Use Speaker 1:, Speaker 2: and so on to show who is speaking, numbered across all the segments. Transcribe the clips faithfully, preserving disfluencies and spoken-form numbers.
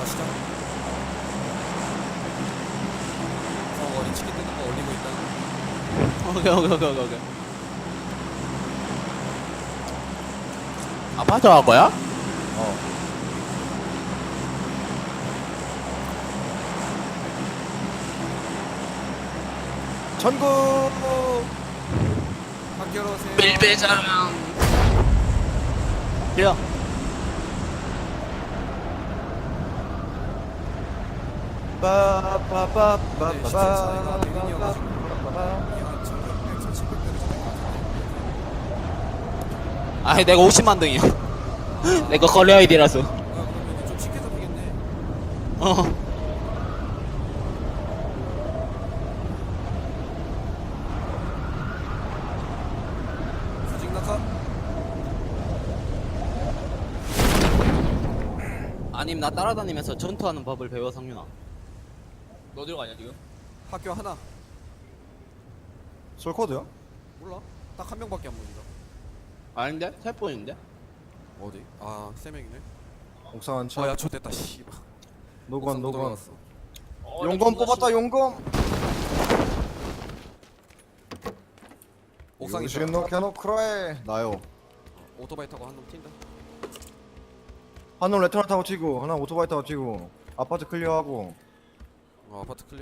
Speaker 1: 시작. 어리 치킨 뜯는 거 올리고 있다.
Speaker 2: 오케이 오케이 오케이 오케이 오케이. 아파트 갈 거야?
Speaker 3: 어. 전국
Speaker 1: 학교로 오세요.
Speaker 2: 밀배장. 야.
Speaker 3: 빠빠빠빠빠빠.
Speaker 2: 아니 내가 오십만 등이야. 내거 걸려 아이디라서.
Speaker 1: 그러면 좀 쉽게 잡히겠네.
Speaker 2: 어.
Speaker 1: 수직 낙하.
Speaker 2: 아님 나 따라다니면서 전투하는 법을 배워 상윤아. 너 어디로 가냐 지금?
Speaker 1: 학교 하나.
Speaker 3: 솔코드요?
Speaker 1: 몰라. 딱 한 명밖에 안 보인다.
Speaker 2: 아닌데? 세 번인데?
Speaker 1: 어디? 아, 세 명이네.
Speaker 3: 옥상 한
Speaker 1: 어,
Speaker 3: 차.
Speaker 1: 야, 좋됐다. 씨발.
Speaker 3: 노건
Speaker 1: 옥상 못
Speaker 3: 노건.
Speaker 1: 올라갔어.
Speaker 3: 용검 뽑았다 용검.
Speaker 1: 옥상에
Speaker 3: 지금
Speaker 1: 있다.
Speaker 3: 너 캐노 크라에 나요.
Speaker 1: 오토바이 타고 한 놈 튄다.
Speaker 3: 한놈 레터나 타고 튀고 하나 오토바이 타고 튀고 아파트 클리어하고.
Speaker 1: 어, 아파트 클리어.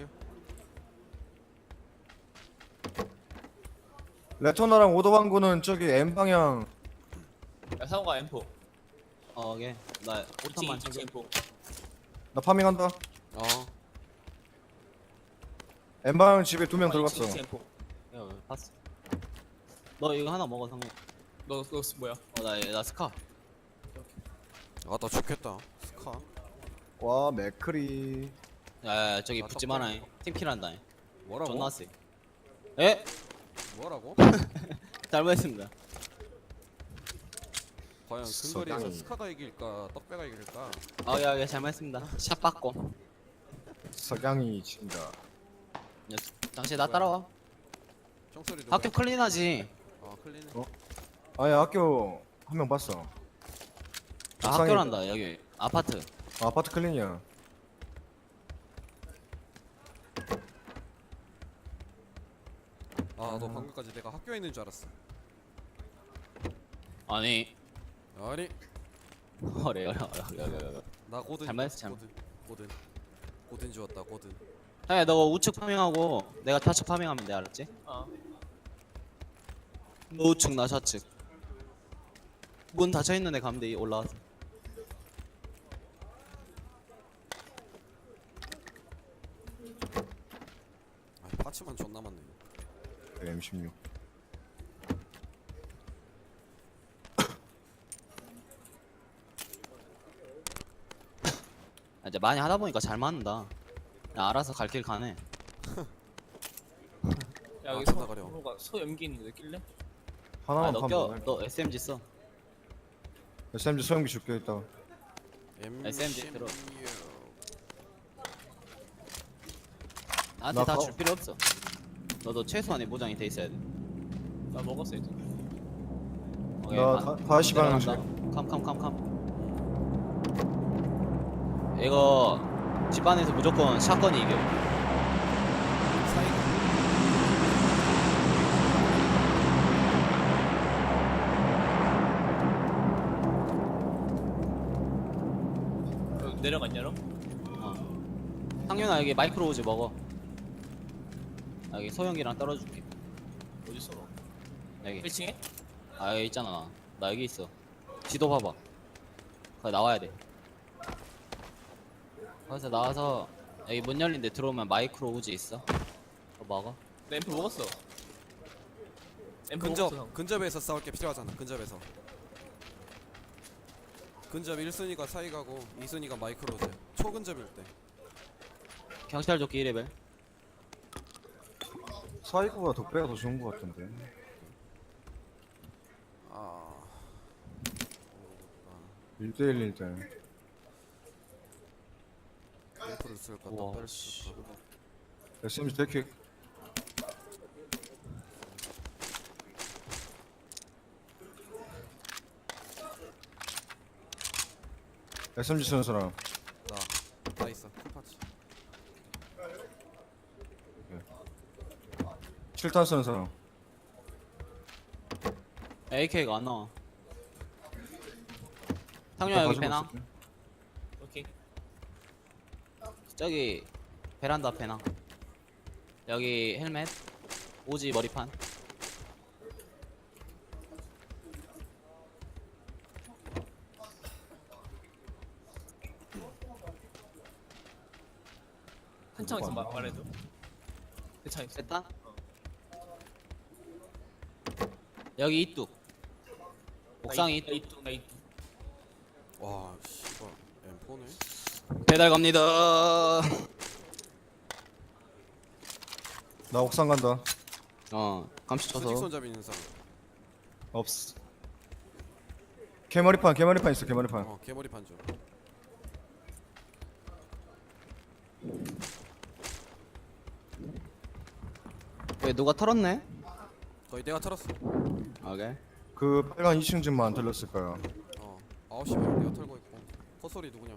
Speaker 3: 레터나랑 오토방구는 저기 M 방향.
Speaker 4: 야 상호가 엠포
Speaker 2: 어 오케이. 나 오탄만
Speaker 4: 찡찡
Speaker 2: 챙겨.
Speaker 4: 엠포
Speaker 3: 나 파밍한다.
Speaker 1: 어.
Speaker 3: M 방향 집에 두 명 들어갔어.
Speaker 4: 찡찡 엠포
Speaker 2: 야 봤어. 너 이거 하나 먹어 상윤.
Speaker 4: 너, 너 뭐야?
Speaker 2: 어나 나 스카.
Speaker 1: 아, 나 죽겠다. 스카.
Speaker 3: 와 맥크리.
Speaker 2: 야야 저기
Speaker 1: 아,
Speaker 2: 붙지
Speaker 1: 덕분에.
Speaker 2: 마라. 팀킬한다.
Speaker 1: 뭐라고?
Speaker 2: 존나 세. 에?
Speaker 1: 뭐라고?
Speaker 2: 잘못했습니다.
Speaker 1: 과연 근거리에서
Speaker 3: 서당이.
Speaker 1: 스카가 이길까, 떡배가 이길까?
Speaker 2: 아야야 잘못했습니다. 샷 받고.
Speaker 3: 석양이 친다.
Speaker 2: 야, 당신 나 따라와.
Speaker 1: 총소리 좀.
Speaker 2: 학교 클린하지.
Speaker 1: 어, 클리네.
Speaker 3: 어? 아야 학교 한 명 봤어.
Speaker 2: 아,
Speaker 3: 옥상에
Speaker 2: 학교란다 여기 아파트.
Speaker 3: 아, 아파트 클린이야.
Speaker 1: 아, 너 방금까지 내가 학교에 있는 줄 알았어.
Speaker 2: 아니
Speaker 1: 아니,
Speaker 2: 어래 어래 어래 어래 어래.
Speaker 1: 나 고든.
Speaker 2: 잘못했어, 잘못.
Speaker 1: 고든. 고든. 고든 지웠다. 고든.
Speaker 2: 야, 너 우측 파밍하고 내가 좌측 파밍하면 돼 알았지?
Speaker 4: 어
Speaker 2: 너 우측 나 좌측. 문 닫혀 있는 데 가면 돼 올라와서.
Speaker 1: 아, 파츠만 존나 많네.
Speaker 3: 엠 십육.
Speaker 2: 아, 이제 많이 하다 보니까 잘 맞는다. 야, 알아서 갈 길 가네.
Speaker 4: 야 여기
Speaker 1: 아,
Speaker 4: 소,
Speaker 1: 존나 가려.
Speaker 4: 소가 소 연기 있는데 낄래?
Speaker 2: 아,
Speaker 3: 하나만
Speaker 2: 너
Speaker 3: 파면
Speaker 2: 껴.
Speaker 3: 돼.
Speaker 2: 너 에스엠지 써.
Speaker 3: 에스엠지 소형기 줄게 있다.
Speaker 2: 에스엠지 들어.
Speaker 1: 엠십육.
Speaker 2: 나한테
Speaker 3: 나
Speaker 2: 다
Speaker 3: 가-
Speaker 2: 줄 필요 없어. 너도 최소한의 보장이 돼 있어야 돼.
Speaker 4: 나 먹었어 이제
Speaker 2: 오케이,
Speaker 3: 나
Speaker 2: 반-
Speaker 3: 다- 다시
Speaker 2: 내려간다.
Speaker 3: 방향
Speaker 2: 캄캄캄캄. 이거 집안에서 무조건 샷건이 이겨.
Speaker 1: 사이가.
Speaker 4: 여기 내려갔냐 너?
Speaker 2: 어. 상윤아 여기 마이크로 우즈 먹어. 아, 여기 소형이랑 떨어줄게.
Speaker 4: 어딨어 너?
Speaker 2: 여기.
Speaker 4: 일 층에?
Speaker 2: 아 여기 있잖아. 나 여기 있어. 지도 봐봐. 거기 나와야 돼. 거기서 나와서 여기 문 열린데 들어오면 마이크로 우즈 있어. 그거 먹어.
Speaker 4: 나 엠포 먹었어 엠포
Speaker 1: 근접.
Speaker 4: 먹었어
Speaker 1: 근접에서 싸울 게 필요하잖아. 근접에서. 근접 일 순위가 사이가고 이 순위가 마이크로즈. 초근접일 때.
Speaker 2: 경찰 조끼 일 레벨.
Speaker 3: 사이코보다 덕배가 더 좋은 것 같은데.
Speaker 1: 아.
Speaker 3: 일 대일일 때.
Speaker 1: 램프를 쓸까?
Speaker 2: 우와,
Speaker 1: 떡배를
Speaker 2: 씨.
Speaker 1: 쓸까?
Speaker 3: 에스엠지 데킥. 에스엠지 쓰는 사람.
Speaker 1: 나. 아래 있어. 풀파츠.
Speaker 3: 칠탄 쓰는 사람.
Speaker 2: 에이케이가 안 나와. 상윤아 여기
Speaker 3: 가지고
Speaker 2: 배낭.
Speaker 3: 있을게.
Speaker 4: 오케이.
Speaker 2: 저기 베란다 배낭. 여기 헬멧. 오지 머리판.
Speaker 4: 한창 있어 말 말해도. 대창 있어.
Speaker 2: 됐다. 여기 이뚝. 옥상에
Speaker 4: 나
Speaker 2: 이뚝.
Speaker 4: 이뚝 나 이뚝.
Speaker 1: 와 씨발 엠포네.
Speaker 2: 배달 갑니다.
Speaker 3: 나 옥상 간다.
Speaker 2: 어 감시 쳐서.
Speaker 1: 수직 손잡이 있는 사람.
Speaker 3: 없어. 개머리판 개머리판 있어 개머리판.
Speaker 1: 어 개머리 판죠.
Speaker 2: 왜 누가 털었네?
Speaker 1: 거의 내가 털었어.
Speaker 2: 오케이.
Speaker 3: 그 빨간 이 층 집만 들렸을 거야.
Speaker 1: 어 아홉 시 반 내가 털고 있고. 헛소리 누구냐?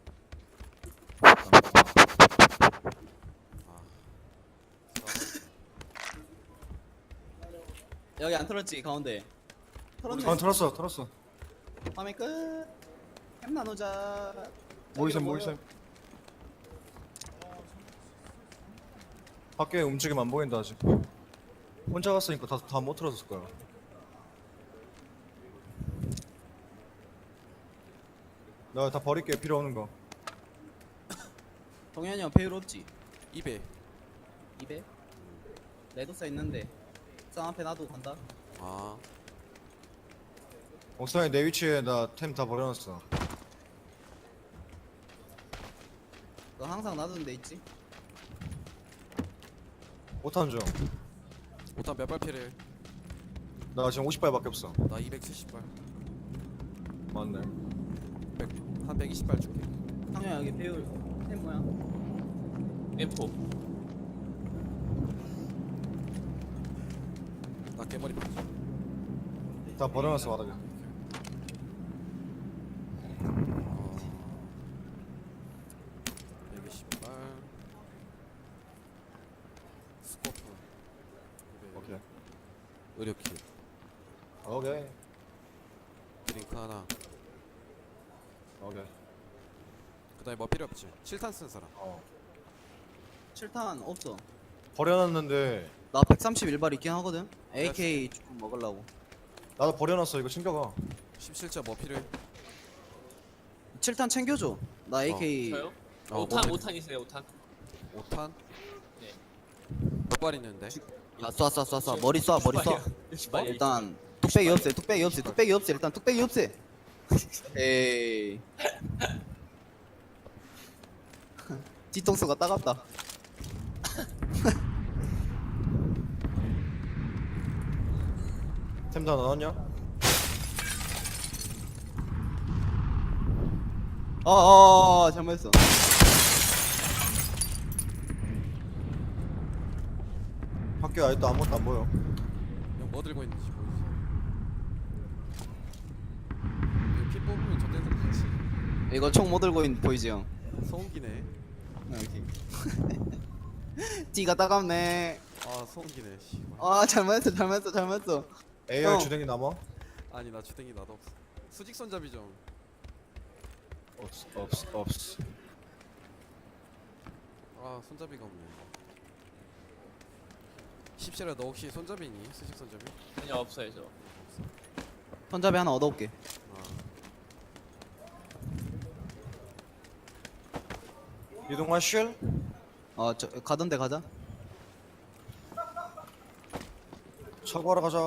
Speaker 2: 여기 안 털었지 가운데. 털었네.
Speaker 3: 아 털었어 털었어.
Speaker 2: 밤에 끝. 햄 나누자.
Speaker 3: 모이셈 모이셈. 밖에 움직임 안 보인다 아직. 혼자 갔으니까 다 다 못 틀었을 거야. 나 다 버릴게 필요 없는 거.
Speaker 2: 동현이 형 배율 없지?
Speaker 1: 입에.
Speaker 2: 입에? 레드사 있는데 쌍 앞에 놔두고 간다.
Speaker 1: 아
Speaker 3: 옥상에 내 위치에 나 템 다 버려놨어.
Speaker 2: 너 항상 놔두는 데 있지?
Speaker 3: 오탄 좀.
Speaker 1: 오탄 몇 발 필요해?
Speaker 3: 나 지금 오십 발밖에 없어.
Speaker 1: 나 이백칠십 발.
Speaker 3: 맞네.
Speaker 1: 백, 한 백이십 발 줄게.
Speaker 2: 상현 여기 배율 템 뭐야?
Speaker 4: 엠포.
Speaker 1: 나 개머리 판죠.
Speaker 3: 다 버려놨어 바닥에.
Speaker 1: 어 백이십 발. 스코프.
Speaker 3: 오케이.
Speaker 1: 의료킷.
Speaker 3: 오케이.
Speaker 1: 드링크 하나.
Speaker 3: 오케이.
Speaker 1: 그다음에 뭐 필요 없지? 칠탄 쓴 사람.
Speaker 3: 어.
Speaker 2: 칠탄 없어.
Speaker 3: 버려놨는데
Speaker 2: 나 백삼십일 발 있긴 하거든. 에이케이 조금 먹으려고.
Speaker 3: 나도 버려놨어. 이거 챙겨가.
Speaker 1: 십칠 자 뭐 필요해?
Speaker 2: 칠탄 챙겨줘. 나 에이케이
Speaker 4: 저요?
Speaker 1: 어,
Speaker 4: 오탄
Speaker 1: 뭐
Speaker 4: 오탄 있어요 오탄.
Speaker 1: 오탄?
Speaker 4: 네.
Speaker 1: 몇 발 있는데?
Speaker 2: 야 쏴 쏴 쏴 쏴 머리 쏴 머리 쏴.
Speaker 4: 육십 발이야.
Speaker 2: 일단 뚝배기 없애 뚝배기 없애 뚝배기 없애 일단 뚝배기 없애. 에이. 뒤통수가 따갑다.
Speaker 3: 템 다 나왔냐?
Speaker 2: 어어 잘못했어.
Speaker 3: 밖에 아직도 아무것도 안 보여.
Speaker 1: 형 뭐 들고 있는지 보이지? 이거 피 뽑으면 전대들 같이
Speaker 2: 이거 총 못 들고 있는 보이지 형?
Speaker 1: 소음기네.
Speaker 2: 여기. 뒤가 따갑네.
Speaker 1: 아 소음기네. 씨발.
Speaker 2: 아 잘못했어 잘못했어 잘못했어.
Speaker 3: 에이알
Speaker 2: 형.
Speaker 3: 주댕이 남아?
Speaker 1: 아니 나 주댕이 나도 없어. 수직 손잡이 좀.
Speaker 3: 없어 없어 없어.
Speaker 1: 아 손잡이가 없네. 십시라 너 혹시 손잡이 있니? 수직 손잡이?
Speaker 4: 아니요 없어요 저.
Speaker 2: 손잡이 하나 얻어올게.
Speaker 1: 아
Speaker 3: 이동하실?
Speaker 2: 어저 가던데 가자.
Speaker 3: 차고하러 가자.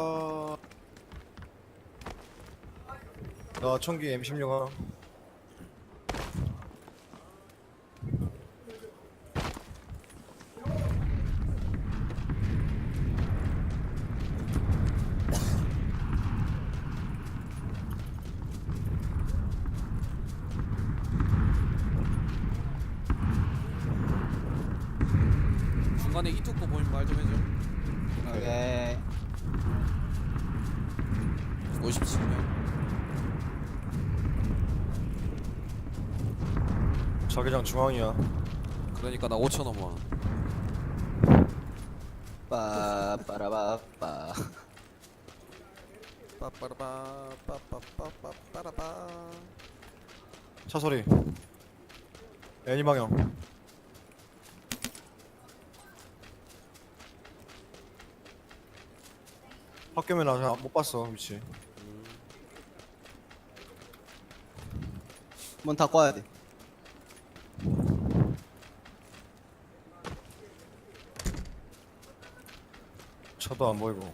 Speaker 3: 나 총기 엠 십육 하나.
Speaker 1: 중간에 이뚝고 보이면 말 좀 해줘.
Speaker 2: 오케이.
Speaker 1: 오십칠 명.
Speaker 3: 자기장 중앙이야.
Speaker 1: 그러니까 나 오천 원만.
Speaker 2: 빠빠라바빠.
Speaker 1: 빠빠라바 빠빠빠빠빠라바.
Speaker 3: 차 소리. 애니 방향. 학교면 아직 못 봤어 위치.
Speaker 2: 문 닫고 와야 돼.
Speaker 3: 차도 안 보이고.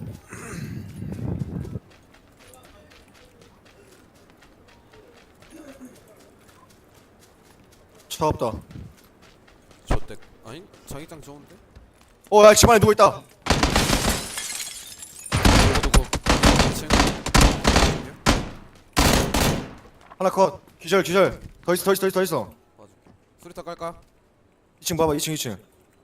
Speaker 3: 차 없다.
Speaker 1: 저때 아니 자기장 좋은데?
Speaker 3: 어야 집안에 누워 있다.
Speaker 1: 누구 누구? 이 층.
Speaker 3: 하나 컷. 기절 기절. 더 있어 더 있어 더 있어 더 있어.
Speaker 1: 봐줄게. 수리타 깔까?
Speaker 3: 이 층 봐봐 이 층 이 층.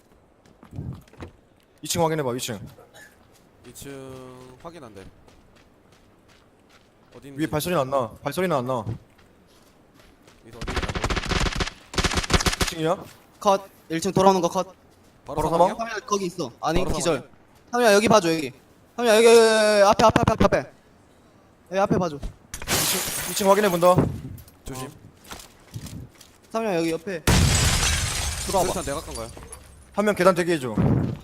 Speaker 3: 이 층 확인해봐 이 층.
Speaker 1: 이 층 확인 안 돼. 어디 있는지.
Speaker 3: 위에 발소리는 안 나. 발소리는 안 나.
Speaker 1: 위에서 어디 있는지 안 보여.
Speaker 3: 이 층이야?
Speaker 2: 컷. 일 층 돌아오는 거 컷.
Speaker 1: 바로
Speaker 3: 바로
Speaker 1: 사망이야?
Speaker 2: 삼야 거기 있어. 아니
Speaker 1: 바로
Speaker 2: 기절.
Speaker 1: 사망이야?
Speaker 2: 삼야 여기 봐줘 여기. 삼야 여기, 여기, 여기 앞에 앞에 앞에 앞에. 여기 앞에 봐줘.
Speaker 3: 이 층, 이 층 확인해 본다.
Speaker 1: 조심.
Speaker 2: 삼야 여기 옆에. 들어와봐.
Speaker 1: 수리타 내가 깐 거야.
Speaker 3: 한 명 계단 대기해줘.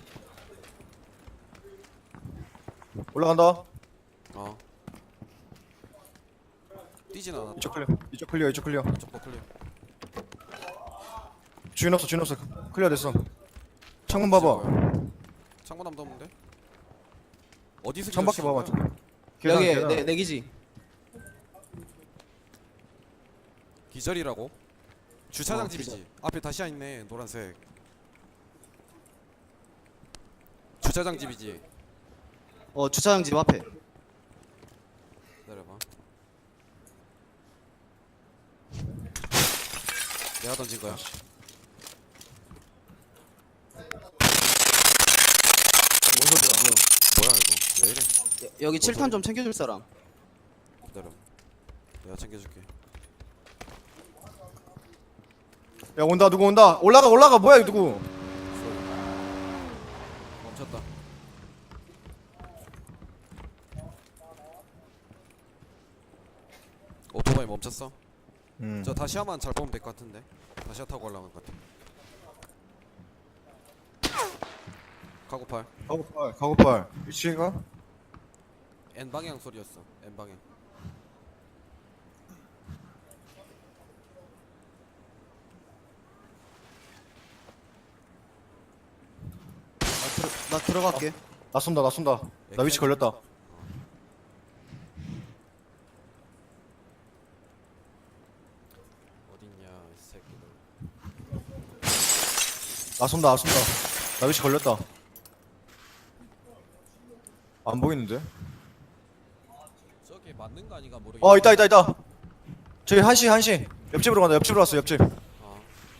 Speaker 3: 올라간다.
Speaker 1: 어. 뛰진 않아.
Speaker 3: 이쪽 클리어. 이쪽 클리어. 이쪽 클리어.
Speaker 1: 쪽도 클리어.
Speaker 3: 주인 없어. 주인 없어. 클리어 됐어. 창문 봐봐.
Speaker 1: 창문 아무도 없는데? 어디서
Speaker 3: 창밖에
Speaker 1: 기절시킨
Speaker 3: 봐봐.
Speaker 1: 거야?
Speaker 3: 계단,
Speaker 2: 여기
Speaker 3: 계단.
Speaker 2: 내 내기지.
Speaker 1: 기절이라고? 주차장
Speaker 2: 어,
Speaker 1: 집이지. 앞에 다시야 있네. 노란색. 주차장 집이지.
Speaker 2: 어 주차장 집 앞에.
Speaker 1: 기다려봐. 내가 던진 거야.
Speaker 3: 뭔 소리야?
Speaker 1: 뭐야 이거? 왜 이래?
Speaker 2: 여- 여기 칠 탄 좀 챙겨줄 사람.
Speaker 1: 기다려. 내가 챙겨줄게.
Speaker 3: 야 온다. 누구 온다. 올라가 올라가. 뭐야 이 누구?
Speaker 1: 소리. 멈췄다. 오토바이 멈췄어?
Speaker 3: 음.
Speaker 1: 저 다시야만 잘 보면 될 것 같은데. 다시야 타고 올라간 것 같아. 카고팔.
Speaker 3: 가고팔. 가고팔. 위치가?
Speaker 1: N 방향 소리였어. N 방향.
Speaker 2: 나, 들어, 나 들어갈게.
Speaker 3: 나 쏜다. 나 쏜다. 나 위치 걸렸다.
Speaker 1: 어딨냐 이 새끼들.
Speaker 3: 나 쏜다. 나 쏜다. 나 위치 걸렸다. 안 보이는데?
Speaker 1: 저게 맞는 거 아닌가 모르겠.
Speaker 3: 어 있다 있다 있다. 저기 한시 한시. 옆집으로 간다. 옆집으로 왔어. 옆집.
Speaker 1: 어.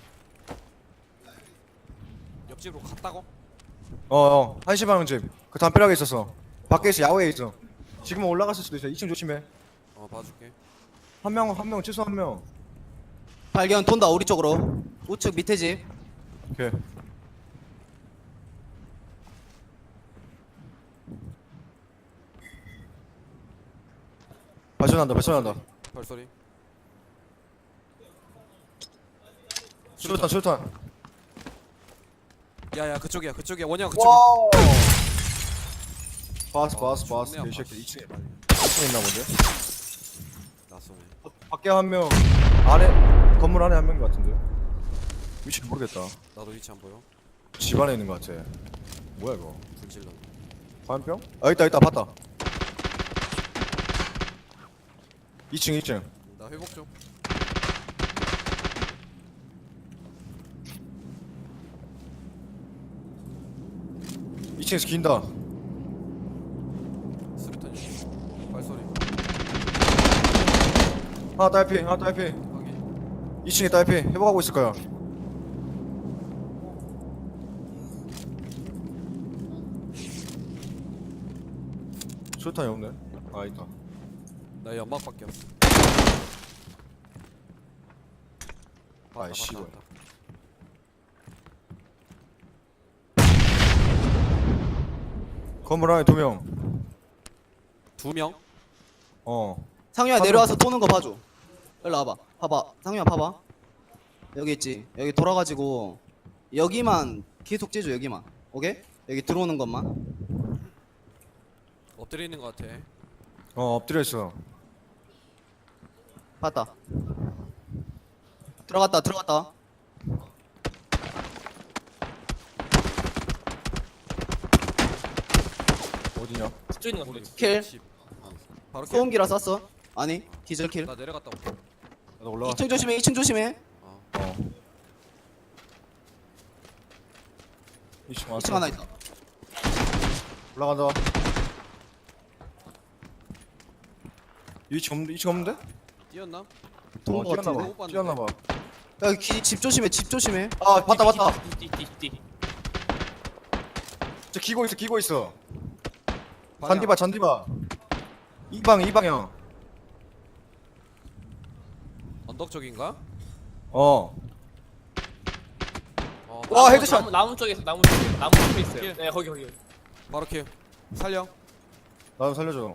Speaker 1: 옆집으로 갔다고?
Speaker 3: 어어 한시 방향 집. 그 담벼락에 있었어. 밖에 있어. 야외에 있어. 지금은 올라갔을 수도 있어. 이 층 조심해.
Speaker 1: 어 봐줄게.
Speaker 3: 한 명 한 명 최소 한 명.
Speaker 2: 발견 돈다 우리 쪽으로. 우측 밑에 집.
Speaker 3: 오케이. 발전한다. 발전한다.
Speaker 1: 발소리.
Speaker 3: 수류탄 수류탄.
Speaker 1: 야야 그쪽이야 그쪽이야 원영 그쪽.
Speaker 3: 와우. 봤어
Speaker 1: 아,
Speaker 3: 봤어 봤어.
Speaker 1: 존나
Speaker 3: 이 새끼
Speaker 1: 아파.
Speaker 3: 이 층에 이 층에 있나 본데.
Speaker 1: 낯서네.
Speaker 3: 밖에 한 명, 안에 건물 안에 한 명인 것 같은데. 위치는 모르겠다.
Speaker 1: 나도 위치 안 보여.
Speaker 3: 집 안에 있는 것 같아. 뭐야 이거?
Speaker 1: 불질러.
Speaker 3: 화염병? 아 있다 있다 봤다. 이 층 이 층.
Speaker 1: 나 회복 좀.
Speaker 3: 이 층에서 긴다.
Speaker 1: 수류탄이. 발소리.
Speaker 3: 하나 딸피 하나 딸피.
Speaker 1: 확인.
Speaker 3: 이 층에 딸피. 회복하고 있을 거야. 수류탄이 없네. 아 있다.
Speaker 1: 나 연막밖에 없어. 봤다,
Speaker 3: 아이, 씨발.
Speaker 1: 봤다, 봤다.
Speaker 3: 건물 안에 두명
Speaker 1: 두 명?
Speaker 3: 어
Speaker 2: 상윤아
Speaker 3: 한
Speaker 2: 내려와서 도는 거 봐줘. 일로 와봐. 봐봐. 상윤아 봐봐. 여기 있지. 여기 돌아가지고 여기만 계속 째줘. 여기만. 오케이? 여기 들어오는 것만.
Speaker 1: 엎드려 있는 것 같아.
Speaker 3: 어 엎드려 있어.
Speaker 2: 봤다. 들어갔다. 들어갔다.
Speaker 3: 어디냐?
Speaker 4: 집중 있는 거 같은데.
Speaker 2: 킬.
Speaker 1: 집. 어. 바로 킬.
Speaker 2: 소음기라 쐈어. 아니 디젤 킬.
Speaker 1: 나 내려갔다 올게.
Speaker 3: 나 올라가.
Speaker 2: 이 층 조심해. 이 층 조심해.
Speaker 1: 어.
Speaker 3: 어. 이층
Speaker 2: 이 층 하나 있다.
Speaker 3: 올라간다. 이층 없는데? 이층 없는데?
Speaker 1: 뛰었나?
Speaker 2: 도는
Speaker 3: 어,
Speaker 2: 거
Speaker 3: 뛰었나
Speaker 2: 같은데.
Speaker 3: 봐. 뛰었나 봐.
Speaker 2: 야, 기, 집 조심해. 집 조심해.
Speaker 3: 아 봤다 봤다.
Speaker 4: 띠띠띠띠.
Speaker 3: 저 기고 있어 기고 있어.
Speaker 1: 방향.
Speaker 3: 잔디바 잔디바. 이방 이방향.
Speaker 1: 언덕 쪽인가?
Speaker 3: 어.
Speaker 1: 어.
Speaker 3: 와,
Speaker 4: 나무,
Speaker 3: 헤드샷.
Speaker 4: 나무, 나무 쪽에 있어. 나무 쪽에. 나무 쪽에 있어요.
Speaker 1: 킬.
Speaker 4: 네 거기 거기.
Speaker 1: 바로 킬. 살려.
Speaker 3: 나도 살려줘.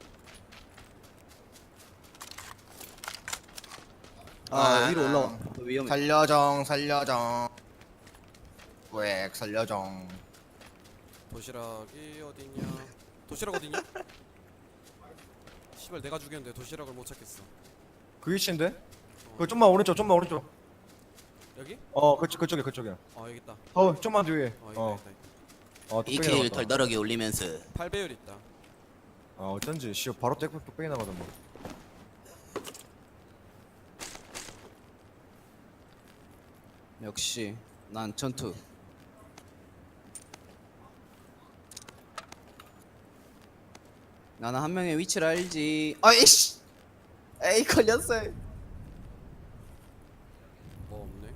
Speaker 2: 아, 위로 올라와. 너 위험해.
Speaker 3: 살려정 살려정. 왜 살려정.
Speaker 1: 도시락이 어딨냐? 도시락 어딨냐? 씨발 내가 죽였는데 도시락을 못 찾겠어.
Speaker 3: 그 위치인데? 그 좀만 오른쪽 좀만 오른쪽.
Speaker 1: 여기?
Speaker 3: 어 그쪽 그쪽에 그쪽에.
Speaker 1: 어 여기 있다.
Speaker 3: 어 좀만 뒤에.
Speaker 1: 어 있다
Speaker 3: 어.
Speaker 1: 있다. 있다.
Speaker 3: 어 뚝배기
Speaker 2: 이킬
Speaker 3: 나갔다.
Speaker 2: 덜덜하게 올리면서.
Speaker 1: 팔 배율 있다.
Speaker 3: 아 어쩐지 씨 바로 땡볕 뚝배기 나가던 뭐.
Speaker 2: 역시 난 전투. 나는 한 명의 위치를 알지. 아이씨. 에이 걸렸어요.
Speaker 1: 뭐 없네.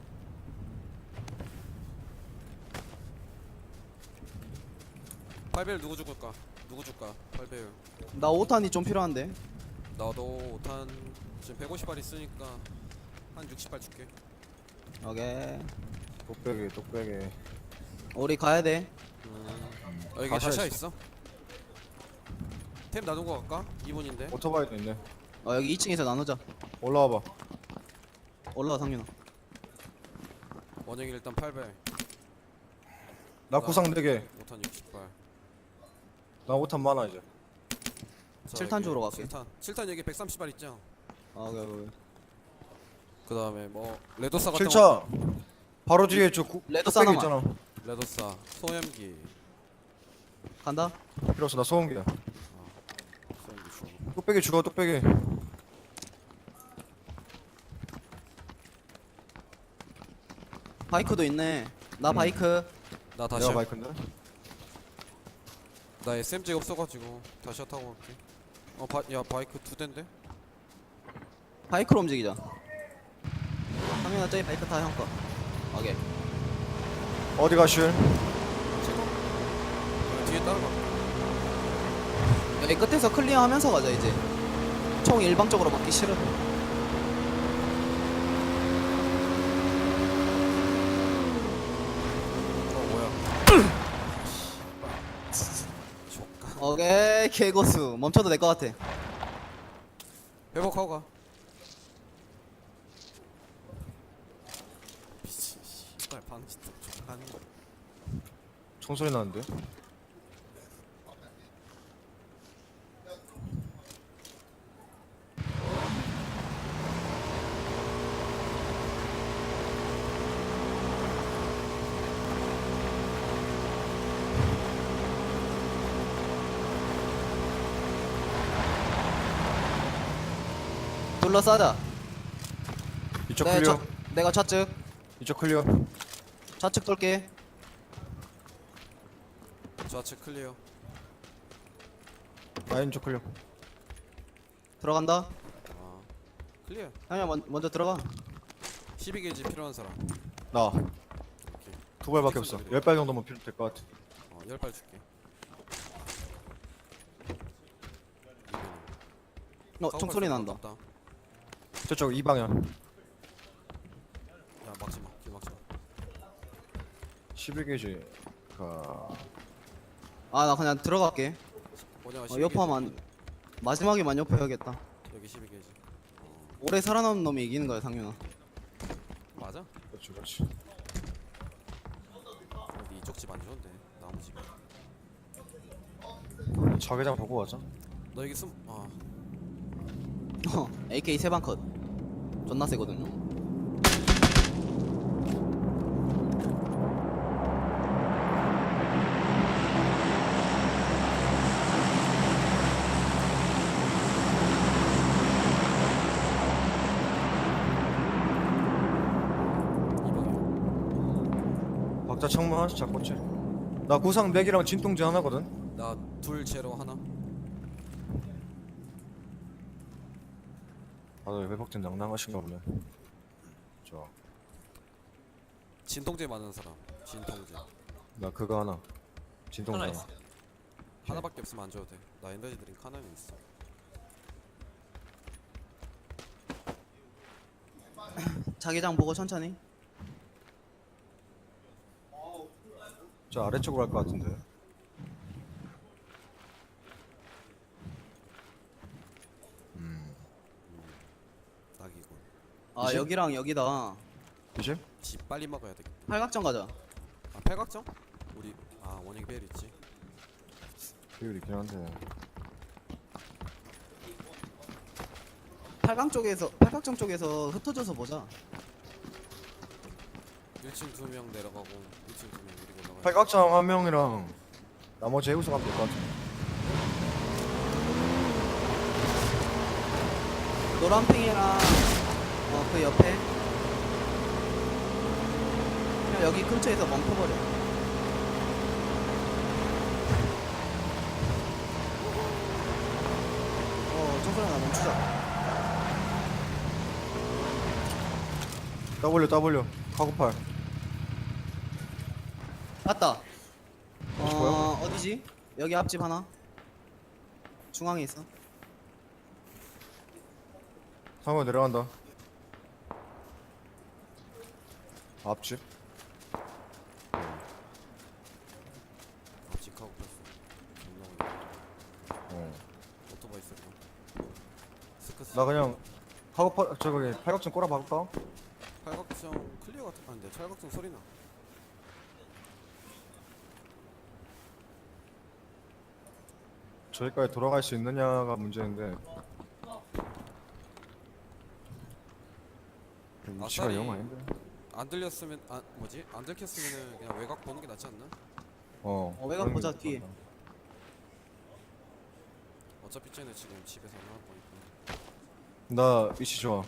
Speaker 1: 팔 배율 누구 죽을까? 누구 줄까? 팔 배율.
Speaker 2: 나 오 탄이 좀 필요한데.
Speaker 1: 나도 오 탄 지금 백오십 발 있으니까 한 육십 발 줄게.
Speaker 2: 오케이.
Speaker 3: 뚝배기 뚝배기.
Speaker 2: 우리 가야 돼.
Speaker 1: 음. 어, 여기
Speaker 3: 다시야
Speaker 1: 다시야
Speaker 3: 있어.
Speaker 1: 있어? 템 나눈 거 갈까? 이 분인데.
Speaker 3: 오토바이도 있네.
Speaker 2: 어 여기 이 층에서 나누자.
Speaker 3: 올라와봐.
Speaker 2: 올라와 상윤아.
Speaker 1: 원영이 일단 팔 배.
Speaker 3: 나 구상 네 개.
Speaker 1: 오 탄 육십 발.
Speaker 3: 나 오탄 많아 이제.
Speaker 1: 자,
Speaker 2: 칠 탄
Speaker 1: 여기
Speaker 2: 주우러 갈게.
Speaker 1: 칠 탄. 칠 탄 여기 백삼십 발 있죠?
Speaker 2: 아 오케이 오케이.
Speaker 1: 그 다음에 뭐 레도사 같은
Speaker 3: 칠 차. 바로 뒤에 저 구,
Speaker 2: 레드
Speaker 3: 뚝배기
Speaker 2: 사나마.
Speaker 3: 있잖아.
Speaker 1: 거. 레도사, 소염기.
Speaker 2: 간다.
Speaker 3: 필요 없어 나 소음기야.
Speaker 1: 소염기 주고.
Speaker 3: 뚝배기 죽어 뚝배기.
Speaker 2: 바이크도 있네. 나
Speaker 3: 음.
Speaker 2: 바이크.
Speaker 1: 나
Speaker 3: 내가
Speaker 1: 다시.
Speaker 3: 바이크인데.
Speaker 1: 나 에스엠지가 없어가지고 다시 타고 갈게. 어, 바, 야 바이크 두 대인데?
Speaker 2: 바이크로 움직이자. 상윤아 저기 바이크 타 형 거. 오케이.
Speaker 3: 어디 가실?
Speaker 1: 여기 뒤에 따라가.
Speaker 2: 여기 끝에서 클리어하면서 가자 이제. 총 일방적으로 맞기 싫어.
Speaker 1: 어 뭐야? 족가.
Speaker 2: 오케이 개고수. 멈춰도 될 것 같아.
Speaker 1: 회복하고 가. 미친 씨발 방지 또 족하는 거.
Speaker 3: 총소리 나는데?
Speaker 2: 둘러싸자.
Speaker 3: 이쪽
Speaker 2: 내
Speaker 3: 클리어.
Speaker 2: 좌- 내가 좌측.
Speaker 3: 이쪽 클리어.
Speaker 2: 좌측 돌게.
Speaker 1: 좌측 클리어.
Speaker 3: 라인 쪽 클리어.
Speaker 2: 들어간다.
Speaker 1: 아 클리어.
Speaker 2: 상윤아 먼, 먼저 들어가.
Speaker 1: 십이 게이지 필요한 사람.
Speaker 3: 나.
Speaker 1: 오케이.
Speaker 3: 두 발밖에 없어. 열 발 정도면 필요 될 것 같아.
Speaker 1: 어, 열 발 줄게.
Speaker 2: 어 총소리 난다.
Speaker 3: 저쪽 이 방향. 십일 게이지 가
Speaker 2: 아 나 그냥 들어갈게.
Speaker 1: 원영아
Speaker 2: 어,
Speaker 1: 십일
Speaker 2: 옆하면
Speaker 1: 게이지.
Speaker 2: 마지막에만 옆해야겠다.
Speaker 1: 여기 십일 게이지. 어,
Speaker 2: 오래 살아남은 놈이 이기는 거야 상윤아.
Speaker 1: 맞아?
Speaker 3: 그렇지 그렇지.
Speaker 1: 근데 이쪽 집 안 좋은데 나무 집.
Speaker 3: 자개장 보고 가자.
Speaker 1: 너 여기 숨. 아
Speaker 2: 어, 에이케이 세방 컷. 존나 세거든요.
Speaker 1: 이방이야.
Speaker 3: 박자 창문 하나씩 잡고 치. 나 구상 맥이랑 진통제 하나거든.
Speaker 1: 나둘 제로 하나.
Speaker 3: 다들 회복된 낭낭하신가 보네. 저,
Speaker 1: 진통제 많은 사람. 진통제.
Speaker 3: 나 그거 하나. 진통제
Speaker 4: 하나
Speaker 3: 하나.
Speaker 4: 있어.
Speaker 1: 하나밖에 없으면 안 줘도 돼. 나 에너지 드링크 하나는 있어.
Speaker 2: 자기장 보고 천천히.
Speaker 3: 저 아래쪽으로 갈 것 같은데.
Speaker 1: 낙이군.
Speaker 2: 아
Speaker 3: 이제?
Speaker 2: 여기랑 여기다.
Speaker 3: 이제?
Speaker 1: 집 빨리 먹어야 되겠다.
Speaker 2: 팔각정 가자.
Speaker 1: 아 팔각정? 우리 아 원형 벨 있지.
Speaker 3: 비율 있긴 한데.
Speaker 2: 팔각 쪽에서 팔각정 쪽에서 흩어져서 보자.
Speaker 1: 일 층 두 명 내려가고 이 층 두 명 우리 올라가.
Speaker 3: 팔각정 한 명이랑 나머지 해우소 가면 될 것 같아.
Speaker 2: 노란핑이랑 어 그 옆에 그냥 여기 근처에서 멈춰버려. 어 정소리나 멈추자.
Speaker 3: W W 카고팔.
Speaker 2: 맞다.
Speaker 3: 뭐야?
Speaker 2: 어 어디지? 여기 앞집 하나. 중앙에 있어.
Speaker 3: 상호 내려간다. 앞집.
Speaker 1: 앞집 가고 뺐어. 존나 오네.
Speaker 3: 어.
Speaker 1: 오토바이 쓸 거. 스크스.
Speaker 3: 나 그냥 카고팔 저기 팔각정 꼬라 박을까?
Speaker 1: 팔각정 클리어 같은 아닌데 팔각정 소리 나.
Speaker 3: 저기까지 돌아갈 수 있느냐가 문제인데. 위치가
Speaker 1: 아싸리.
Speaker 3: 영 아닌데.
Speaker 1: 안 들렸으면 아 뭐지? 안 들켰으면은 그냥 외곽 보는 게 낫지 않나?
Speaker 3: 어.
Speaker 2: 어, 외곽
Speaker 3: 그런
Speaker 2: 보자,
Speaker 3: 게
Speaker 2: 뒤에.
Speaker 3: 맞다.
Speaker 1: 어차피 쟤네 지금 집에서 나올 거니까.
Speaker 3: 나 위치 좋아.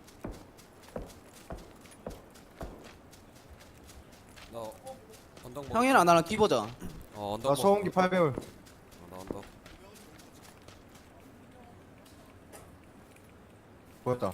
Speaker 1: 나 언덕 먹.
Speaker 2: 형이랑 나랑 끼 보자.
Speaker 1: 어 언덕
Speaker 3: 나 소음기 팔 배율.
Speaker 1: 어, 나 언덕.
Speaker 3: 보였다.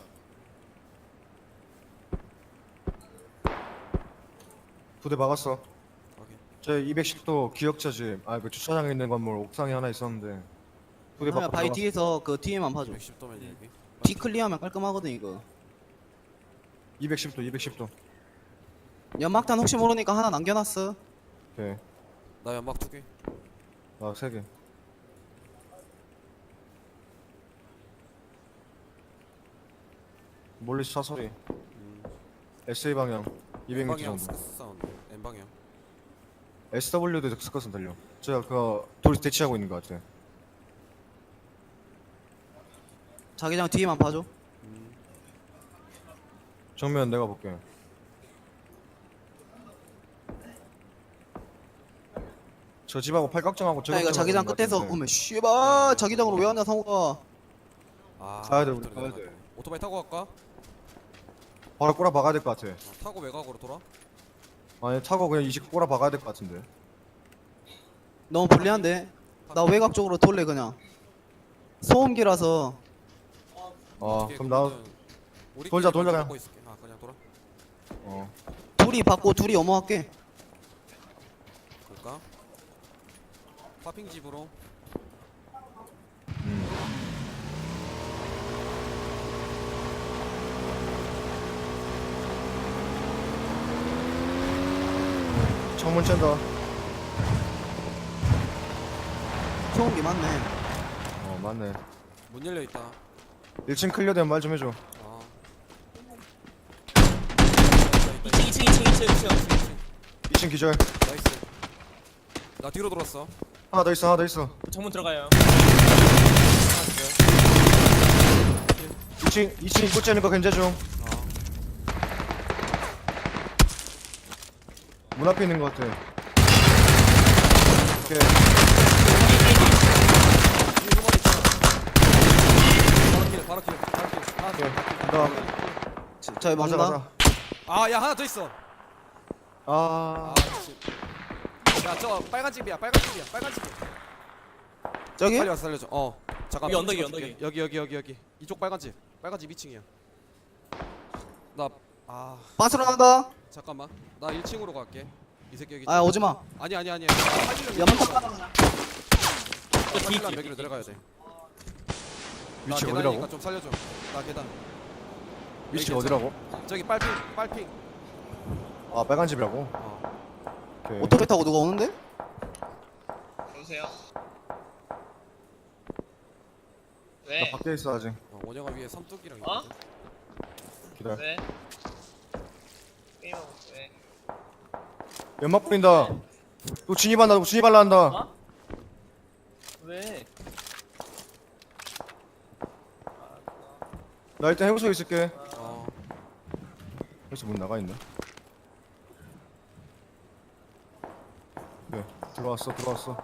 Speaker 3: 부대 막았어.
Speaker 1: 확인.
Speaker 3: 제 이백십 도 기억자 집. 아, 그 주차장에 있는 건물 옥상에 하나 있었는데. 부대
Speaker 2: 형이야
Speaker 3: 막고
Speaker 2: 바위
Speaker 3: 들어갔어.
Speaker 2: 뒤에서 그 뒤에만 봐줘.
Speaker 1: 백십 도면 여기.
Speaker 2: 뒤 클리어하면 깔끔하거든 이거.
Speaker 3: 이백십 도, 이백십 도.
Speaker 2: 연막탄 혹시 모르니까 하나 남겨놨어.
Speaker 3: 오케이.
Speaker 1: 나 연막 두 개.
Speaker 3: 나 세 개. 멀리서 차 소리.
Speaker 1: 음.
Speaker 3: 에스에이 방향. 이백 미터
Speaker 1: 방향
Speaker 3: 정도.
Speaker 1: 스크스 사운드. N 방향.
Speaker 3: 에스더블유도 스컷은 들려. 제가 그 둘이 대치하고 있는 것 같아.
Speaker 2: 자기장 뒤에만 봐줘.
Speaker 1: 음.
Speaker 3: 정면 내가 볼게. 저 집하고 팔각정하고
Speaker 2: 야 이거 자기장
Speaker 3: 있는 것
Speaker 2: 끝에서
Speaker 3: 같은데.
Speaker 2: 오면 씨발 자기장으로 왜 왔냐 상호가.
Speaker 1: 아.
Speaker 3: 가야 돼, 우리
Speaker 1: 오토바이
Speaker 3: 가야
Speaker 1: 내려가야
Speaker 3: 돼.
Speaker 1: 돼. 오토바이 타고 갈까?
Speaker 3: 바로 꼬라 박아야 될 것 같아.
Speaker 1: 아, 타고 외곽으로 돌아?
Speaker 3: 아니 타고 그냥 이십 꼬라 박아야 될 것 같은데.
Speaker 2: 너무 불리한데. 나 외곽 쪽으로 돌래 그냥. 소음기라서.
Speaker 3: 아
Speaker 1: 어떻게
Speaker 3: 그럼 나
Speaker 1: 그거는 우리끼리
Speaker 3: 돌자, 돌자,
Speaker 1: 먼저
Speaker 3: 그냥.
Speaker 1: 먹고 있을게. 아 그냥 돌아.
Speaker 3: 어.
Speaker 2: 둘이 받고 둘이 어머할게.
Speaker 1: 볼까? 파핑 집으로.
Speaker 3: 음. 창문 쨘다.
Speaker 2: 소음기 맞네.
Speaker 3: 어 맞네.
Speaker 1: 문 열려 있다.
Speaker 3: 일 층 클리어되면 말 좀 해줘.
Speaker 1: 아.
Speaker 4: 이 층 이 층 이 층 이 층 이 층
Speaker 3: 이 층 기절.
Speaker 1: 나이스. 나 뒤로 돌았어.
Speaker 3: 하나 더 있어 하나 더 있어.
Speaker 4: 정문 들어가요.
Speaker 3: 이 층 이 층 입구 째는 거 견제 중.
Speaker 1: 아.
Speaker 3: 문 앞에 있는 거 같아. 오케이.
Speaker 1: 뒤에 후머리 있잖아. 바로 킬, 바로 킬, 바로 킬. 하나
Speaker 3: 오케이.
Speaker 1: 더.
Speaker 3: 간다.
Speaker 2: 저희
Speaker 3: 가자
Speaker 2: 막는다.
Speaker 3: 가자.
Speaker 1: 아, 야 하나 더 있어.
Speaker 3: 아.
Speaker 1: 아, 씨. 야, 저 빨간 집이야, 빨간 집이야, 빨간 집.
Speaker 2: 저기?
Speaker 1: 빨리 와서 살려줘. 어, 잠깐.
Speaker 4: 여기 언덕이, 언덕이.
Speaker 1: 여기, 여기, 여기, 여기. 이쪽 빨간 집. 빨간 집 이 층이야. 나, 아,
Speaker 2: 빠스로 나간다.
Speaker 1: 잠깐만. 나 일 층으로 갈게. 이 새끼 여기.
Speaker 2: 아 오지 마.
Speaker 1: 아니, 아니, 아니.
Speaker 2: 연막탑 깔아.
Speaker 4: 저 뒤에
Speaker 1: 빨간
Speaker 4: 뒤에
Speaker 1: 여기로 내려가야 돼. 나
Speaker 3: 위치가
Speaker 1: 계단이니까
Speaker 3: 어디라고?
Speaker 1: 좀 살려줘. 나 계단.
Speaker 3: 위치가
Speaker 1: 괜찮아.
Speaker 3: 어디라고?
Speaker 1: 저기 빨핑, 빨핑.
Speaker 3: 아 빨간 집이라고?
Speaker 1: 어.
Speaker 3: 오케이.
Speaker 2: 오토바이 타고 누가 오는데?
Speaker 5: 여보세요?
Speaker 3: 나
Speaker 5: 왜?
Speaker 3: 밖에 있어 아직.
Speaker 1: 어, 원영아 위에 삼뚝이랑
Speaker 5: 어?
Speaker 1: 있거든.
Speaker 3: 기다려.
Speaker 5: 왜? 게임하고 있어, 왜?
Speaker 3: 연막 뿌린다. 또 진입한다. 또 진입할라 한다.
Speaker 4: 어? 왜?
Speaker 3: 나 일단 해우소에 있을게.
Speaker 1: 어.
Speaker 3: 여기서 문 나가 있네. 네, 들어왔어, 들어왔어.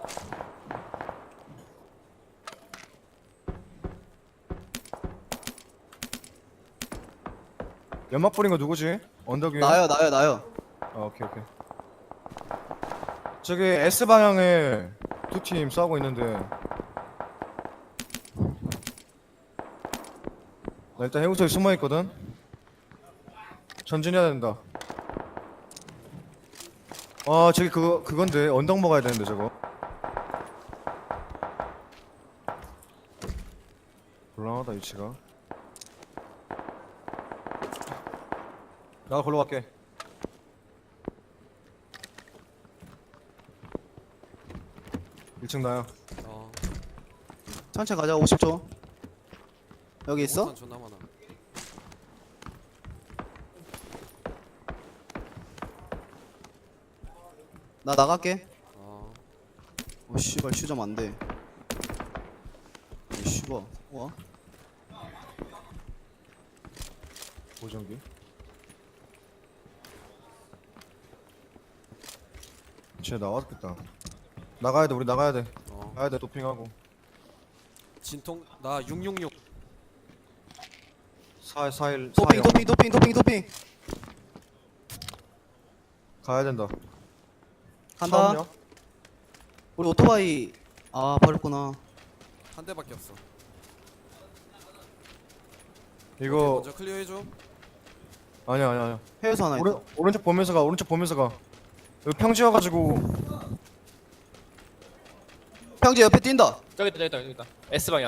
Speaker 3: 연막 뿌린 거 누구지? 언덕 위에?
Speaker 2: 나요 나요 나요.
Speaker 3: 아, 오케이, 오케이. 저기 S 방향에 두 팀 싸우고 있는데. 나 일단 해우소에 숨어 있거든. 전진해야 된다. 아, 저기 그거 그건데 언덕 먹어야 되는데 저거. 곤란하다 위치가. 나 걸로 갈게. 일 층 나요.
Speaker 1: 어.
Speaker 2: 천천히 가자. 오십 초. 여기 있어?
Speaker 1: 오탄 존나 많아.
Speaker 2: 나 나갈게.
Speaker 1: 어.
Speaker 2: 오 씨발 휴점 안 돼. 이 씨발. 와.
Speaker 3: 보정기. 쟤 나왔겠다. 나가야 돼. 우리 나가야 돼.
Speaker 1: 어.
Speaker 3: 가야 돼. 도핑하고.
Speaker 1: 진통 나 육육육.
Speaker 3: 사 사일
Speaker 2: 도핑 도핑 도핑 도핑 도핑.
Speaker 3: 가야 된다.
Speaker 2: 간다.
Speaker 3: 처음이야?
Speaker 2: 우리 오토바이 아 버렸구나.
Speaker 1: 한 대밖에 없어.
Speaker 3: 이거
Speaker 1: 먼저 클리어 해줘.
Speaker 3: 아니야 아니야 아니야.
Speaker 2: 해외소 하나 있다.
Speaker 3: 오른 오른쪽 보면서 가. 오른쪽 보면서 가. 여기 평지여가지고
Speaker 2: 평지 옆에 뛴다.
Speaker 4: 저기 있다 저기 있다 저기 있다. S 방향.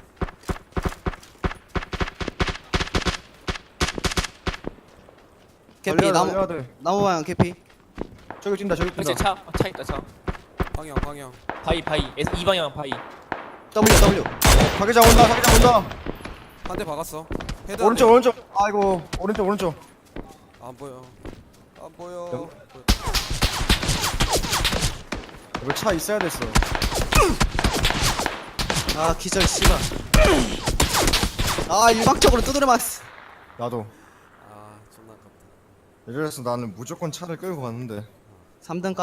Speaker 2: 캐피
Speaker 3: 달려야 돼,
Speaker 2: 나무
Speaker 3: 달려야 돼.
Speaker 2: 나무 방향 캐피.
Speaker 3: 저기 뛴다. 저기
Speaker 4: 그렇지
Speaker 3: 뛴다.
Speaker 4: 차. 아, 차 있다 차.
Speaker 1: 방향, 방향.
Speaker 4: 바이 바이. S 이 방향 바이.
Speaker 2: W W.
Speaker 3: 자기장 온다. 자기장 온다.
Speaker 1: 한 대 박았어. 헤드.
Speaker 3: 오른쪽 오른쪽. 아이고 오른쪽 오른쪽.
Speaker 1: 안 보여. 안 보여.
Speaker 3: 여기? 여기 차 있어야 됐어.
Speaker 2: 아 기절 씨발. 아 일방적으로 두드려 맞았어.
Speaker 3: 나도.
Speaker 1: 아, 존나 아깝다.
Speaker 3: 이래서 나는 무조건 차를 끌고 갔는데.
Speaker 2: 삼 등